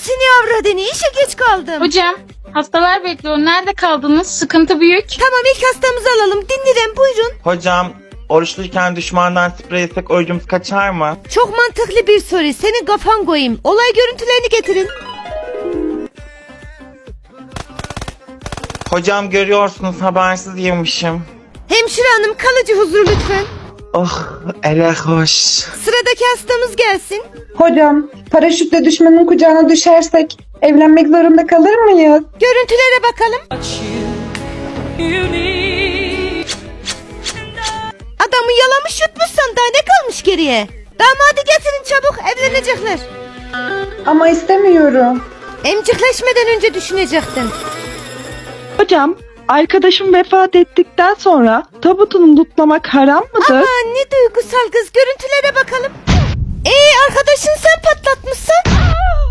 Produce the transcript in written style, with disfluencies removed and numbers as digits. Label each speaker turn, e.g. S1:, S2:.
S1: Anasını avradını, işe geç kaldım.
S2: Hocam hastalar bekliyor. Nerede kaldınız? Sıkıntı büyük.
S1: Tamam, ilk hastamızı alalım. Dinlerim, buyurun.
S3: Hocam oruçluyken düşmandan sprey yesek orucumuz kaçar mı?
S1: Çok mantıklı bir soru. Senin kafan koyayım. Olay görüntülerini getirin.
S3: Hocam görüyorsunuz habersiz yemişim.
S1: Hemşire hanım, kalıcı huzur lütfen.
S3: Oh ele hoş.
S1: Sıradaki hastamız gelsin.
S4: Hocam, paraşütle düşmanın kucağına düşersek evlenmek zorunda kalır mıyız?
S1: Görüntülere bakalım. Adamı yalamış yutmuşsan daha ne kalmış geriye? Damadı getirin çabuk, evlenecekler.
S4: Ama istemiyorum.
S1: Emcikleşmeden önce düşünecektin.
S5: Hocam, arkadaşım vefat ettikten sonra tabutunu tutlamak haram mıdır?
S1: Aman ne duygusal kız, görüntülere bakalım. Arkadaşın sen patlatmışsın.